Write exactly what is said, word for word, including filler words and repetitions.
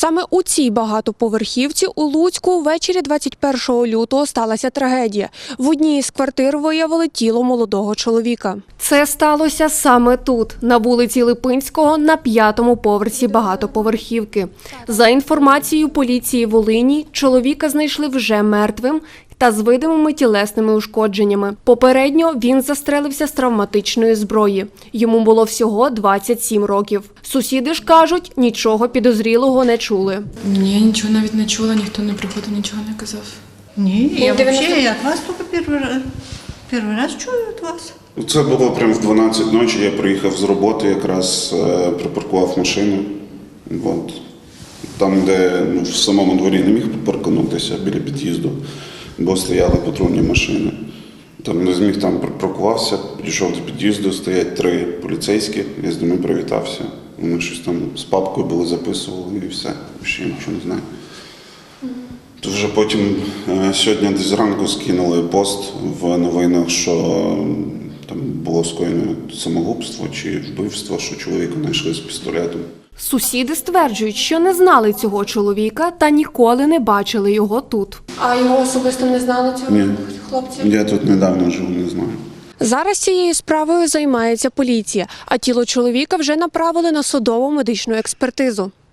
Саме у цій багатоповерхівці у Луцьку ввечері двадцять першого лютого сталася трагедія. В одній із квартир виявили тіло молодого чоловіка. Це сталося саме тут, на вулиці Липинського, на п'ятому поверсі багатоповерхівки. За інформацією поліції Волині, чоловіка знайшли вже мертвим та з видимими тілесними ушкодженнями. Попередньо він застрелився з травматичної зброї. Йому було всього двадцять сім років. Сусіди ж кажуть, нічого підозрілого не чули. Ні, я нічого навіть не чула, ніхто не приходив, нічого не казав. Ні, я взагалі я від вас тільки перший раз, перший раз чую від вас. Це було прямо в дванадцять ночі, я приїхав з роботи, якраз е, припаркував машину. От. Там, де ну, в самому дворі не міг паркуватися, біля під'їзду, бо стояли патрульні машини. Там не зміг, там припаркувався, підійшов до під'їзду, стоять три поліцейські, я з ними привітався. Вони щось там з папкою були, записували і все, ще нічого не знаю. То вже потім е, сьогодні десь зранку скинули пост в новинах, що там було скоєно самогубство чи вбивство, що чоловіка знайшли з пістолетом. Сусіди стверджують, що не знали цього чоловіка та ніколи не бачили його тут. А його особисто не знали цього Ні. хлопця? Я тут недавно живу, не знаю. Зараз цією справою займається поліція, а тіло чоловіка вже направили на судово-медичну експертизу.